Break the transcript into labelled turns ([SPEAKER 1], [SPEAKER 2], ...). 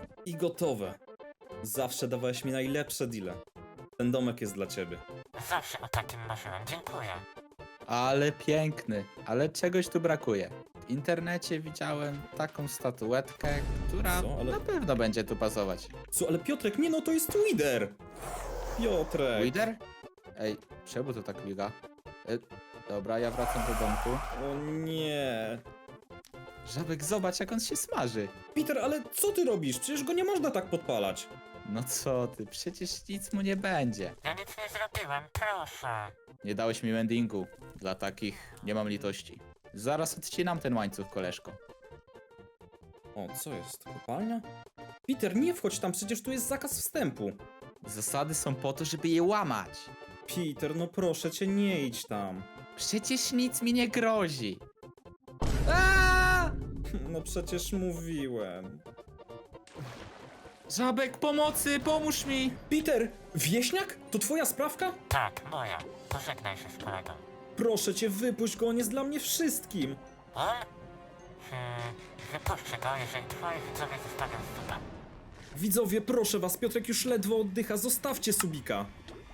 [SPEAKER 1] I gotowe. Zawsze dawałeś mi najlepsze deale. Ten domek jest dla ciebie.
[SPEAKER 2] Zawsze o takim marzyłem, dziękuję.
[SPEAKER 3] Ale piękny, ale czegoś tu brakuje. W internecie widziałem taką statuetkę, która
[SPEAKER 1] Co? Ale-
[SPEAKER 3] na pewno będzie tu pasować.
[SPEAKER 1] Co, ale Piotrek, nie no, to jest Wither! Piotrek!
[SPEAKER 3] Wider? Ej, czemu to tak miga? Dobra, ja wracam do domku.
[SPEAKER 1] O nie!
[SPEAKER 3] Żabek, zobacz jak on się smaży.
[SPEAKER 1] Peter, ale co ty robisz? Przecież go nie można tak podpalać.
[SPEAKER 3] No co ty, przecież nic mu nie będzie.
[SPEAKER 2] Ja nic nie zrobiłem, proszę.
[SPEAKER 3] Nie dałeś mi mendingu. Dla takich nie mam litości. Zaraz odcinam ten łańcuch, koleżko.
[SPEAKER 1] O, co jest? Kopalnia? Peter, nie wchodź tam, przecież tu jest zakaz wstępu.
[SPEAKER 3] Zasady są po to, żeby je łamać.
[SPEAKER 1] Peter, no proszę cię, nie idź tam.
[SPEAKER 3] Przecież nic mi nie grozi. Aaaa!
[SPEAKER 1] No przecież mówiłem.
[SPEAKER 3] Żabek, pomocy, pomóż mi!
[SPEAKER 1] Peter, wieśniak? To twoja sprawka?
[SPEAKER 2] Tak, moja. Pożegnaj się z kolegą.
[SPEAKER 1] Proszę cię, wypuść go, on jest dla mnie wszystkim.
[SPEAKER 2] On? Wypuszczę go, jeżeli twoi widzowie zostawią suba.
[SPEAKER 1] Widzowie, proszę was, Piotrek już ledwo oddycha, zostawcie Subika.